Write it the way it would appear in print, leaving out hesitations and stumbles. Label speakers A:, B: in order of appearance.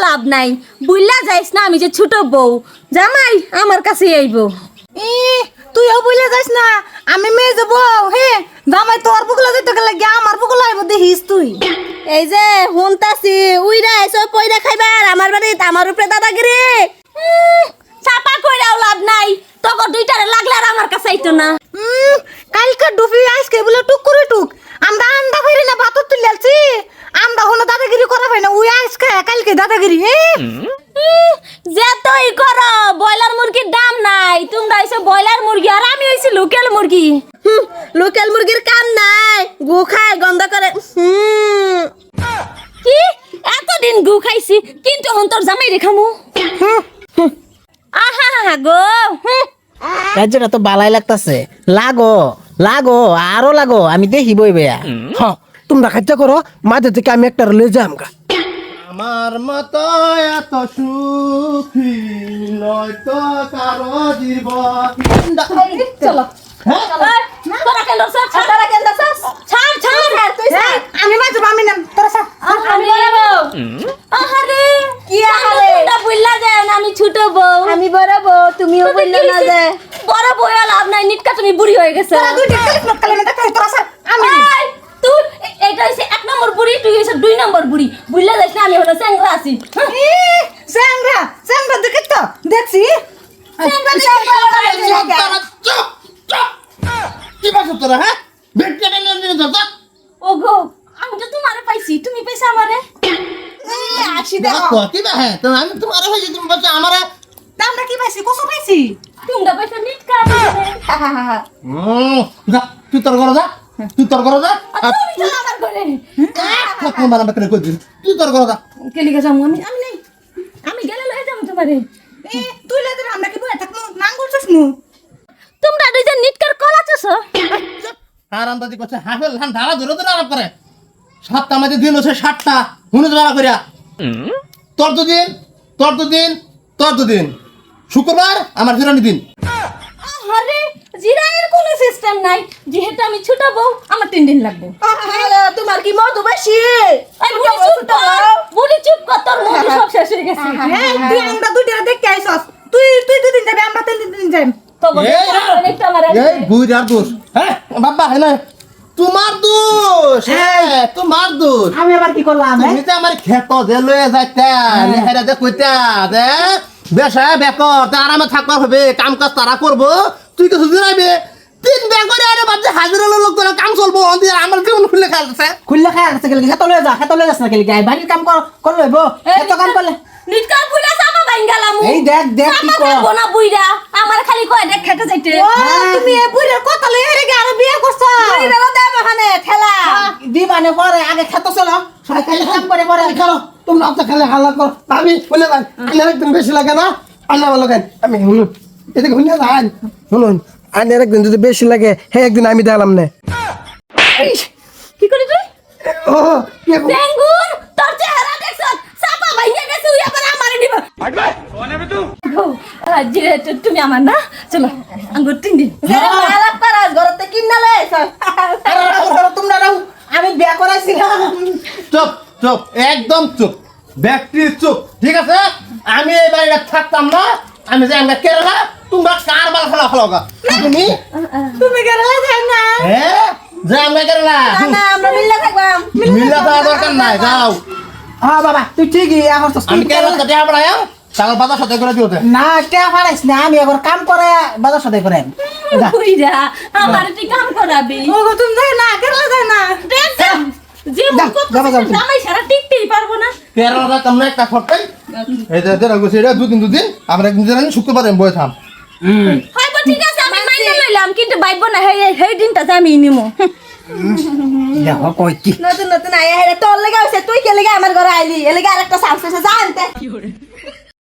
A: লাভ নাই, বুইলা যাইস না আমি যে ছোট বউ। জামাই আমার কাছে আইবো।
B: তুইও বুঝলে যাস না, আমি মেয়ে যাবো। হে জামাই তোর বুকলা যেতে গেলে গিয়ে আমার বুকলা আইব দেখিস তুই।
A: এই যে হুনতাছি উইরা এসব পয়দা খাইবার আমার বাড়িতে আমার উপরে দাদাগিরি। চাপা কইরাও লাভ নাই, তোকে দুইটারে লাগলে আর আমার কাছে আইতো না।
B: কালকে ডুবি আজকে বলে টুক করে টুক আমরা আন্ডা ফেরি না ভাত তুলেছি, আমরা হলো দাদাগিরি করা হয় না। ওই আজকে কালকে দাদাগিরি
A: যে তুই করো, ব্রয়লার মুরগির দাম নাই। তোমরা হইছো ব্রয়লার মুরগি আর আমি হইছি লোকাল মুরগি। লোকাল মুরগির কাম নাই, গু খায় গন্ধ করে। কি এতদিন গু খাইছি, কিন্তু হন তোর জামাই রেখামু। আহা গো
C: রাজ্যটা তো বালাই লাগতাছে। লাগো লাগো আরো লাগো, আমি দেখিবই বেয়া।
D: হ্যাঁ তোমরা খাইতে করো, মাঝে থেকে আমি একটা লয়ে যাম গা।
E: আমার মতো এত সুখী নয়তো কারো জীবন।
A: চলো তোরা কেন লসছ? তোরা কেন লসছ? ছাড় ছাড় তুই ছাড়।
B: আমি মাঝে আমি নাম তোরা সব
A: আমি বড় বউ। আহারে কি আহারে, তোমরা বুইলা যায় না আমি ছোট বউ। আমি বড় বউ, তুমিও বুইলা না যায়। বড় বউ লাভ নাই, নিটকা তুমি বুড়ি হয়ে গেছো।
B: তোরা দুই টেলিফোন কালে না দেখ তোরা সব আমি
A: তুই এটা হইছে 1 নম্বর বুড়ি, তুই হইছে 2 নম্বর বুড়ি। বুইলা যাইছ না আমি হলো স্যাংরা আছি।
B: স্যাংরা স্যাংরা দেখি তো দেখছি
E: চুপ চুপ, কি বাসো তোরা? হ্যাঁ বেটটা নিয়ে ধরতা।
A: ওগো আমি তো তোমারে পাইছি, তুমি পাইছ আমারে।
B: আসি দেখো
E: দেখো কি বা? হ্যাঁ তো আমি তোমার হইছে, তুমি বলছো আমারে।
B: আমরা কি পাইছি কসু পাইছি
A: তোমরা পাইছ নিটকা।
E: যা তুই তোর ঘরে যা, তুই তোর ঘরে যা।
A: তুমি তো আমার ঘরে।
E: থাক মারা বেকরে কই দিন, তুই তোর ঘরে যা।
A: কেলি গেছাম আমি, আমি নাই। আমি গেলে লয়ে যাবো তোমারে।
B: তুই লেদের আমরা কি বলে থাকমু নাঙ্গুলছস নু
A: তোমরা দুইজন নিটকার কলাছস।
E: আর আন্দাজি করছে হাফেল ধান ধারা ধরে ধরে আলাপ করে। 7টা মাঝে দিন হচ্ছে 7টা হুনে ধরা করিয়া। তোর দুদিন তোর দুদিন তোর দুদিন, শুক্রবার আমার ফিরানি দিন।
A: আরে জিরানের কোনো সিস্টেম নাই, যেহেতু আমি ছোট বউ আমার 3 দিন লাগবে।
B: তোমার কি মধু বেশি
A: এই বুড়ি চুপ কর, বুড়ি চুপ কর, তোর মুখ সব শেষ হয়ে গেছে।
B: তুই আমরা দুইটা দেখতে আইছস, তুই তুই দুদিন যাবি আমরা 3 দিন যাই।
A: তো বলে একটা আমার
E: এই বুইরার দোষ। হ্যাঁ বাবা হ্যাঁ না তোমার দোষ। হ্যাঁ তোমার দোষ।
B: আমি আবার কি করলাম
E: তুমি তো আমার ক্ষেত যে লয়ে যাইতা নেহেরা যে কইতা যে বেশা বেকর তা আরামে থাকবা হবে, কাম কাজ তারা করবো, তুই কিছু দিনাইবে। 3 ব্যাগ করে আরে বাদে হাজিরা লোক তোরা কাম চলবো, অন্তি আমার জীবন খুলে খাইছে।
C: খুললে খাই আছে গেলে খেতে লয়ে যা, খেতে লয়ে যাস না গেলে গায় বাড়ির কাম কর লইব। এত কাম করলে
A: নিটকার বুইরা সামা বাইঙ্গালাম।
C: এই দেখ দেখ কি কর।
A: গোনা বুইরা আমার খালি কয় দেখ খেতে যাইতে।
B: তুমি এই বুড়ির কথা লইয়া রে আরো বিয়ে করছ
A: বুইরা দেব ওখানে ঠেলা।
C: দিবানে পরে আগে খেতে চলো, সবাই খালি কাম করে পরে
D: খেলো তোমরা তো খালি হাল্লা করো। আমি বলে যাই আইনের একদিন বেশি লাগে না, আন্না ভালো খাই আমি শুনুন এদিকে শুনে যান। শুনুন আইনের একদিন যদি বেশি লাগে হ্যাঁ একদিন আমি দেখলাম না।
A: কি করি তুই?
D: ও কি
A: বেঙ্গুর তোর চেহারা দেখছ সাপা ভাইয়া গেছে, উই আবার আমারে নিব। হাঁটবে কোন হবে তুই? যে তুমি আমার না, চলো আঙ্গুর 3 দিন। আলাপ করাস ঘরতে কিন্না লইছ।
C: তোমরা রাও, আমি বিয়া করাইছিলাম।
E: চুপ চুপ একদম চুপ, ব্যক্তি চুপ, ঠিক আছে? আমি এই বাড়িতে থাকতাম না, আমি যে আমরা কেরালা, তোমরা কারবার খেলা খেলাওগা। তুমি
B: তুমি গেলা যাই না
E: হ্যাঁ যে আমরা কেরালা
A: না আমরা মিল্লা থাকবাম।
E: মিল্লা তো দরকার নাই, যাও।
C: হ্যাঁ বাবা তুই ঠিকই এখন তো
E: আমি কেরালা থেকে পড়াই তাহলে বাজার সাথে করে দিওতে।
C: না কে পারাইস না, আমি এখন কাম করে বাজার সাথে করে
A: বুইরা আমার তুই কাম করাবি।
B: ওগো তুমি যাই না গেলা যাই না
A: যে মুখ করতে জামাই সারা টিকতেই পারবো না।
E: কেরালা তোমরা একটা ফটকাই এই যে দেড় গুছি এটা দুদিন আমরা একদিন জানি শুক্রবারে বই থাম।
A: হয়তো ঠিক আছে আমি মাইনে লইলাম, কিন্তু বাইব না সেই দিনটা আমি নিমু।
C: দেখো কই কি
A: নতুন নতুন আয়া হেরে তোর লেগে হইছে, তুই কে লেগে আমার ঘরে আইলি? এ লেগে আরেকটা সাহস আছে জানতে।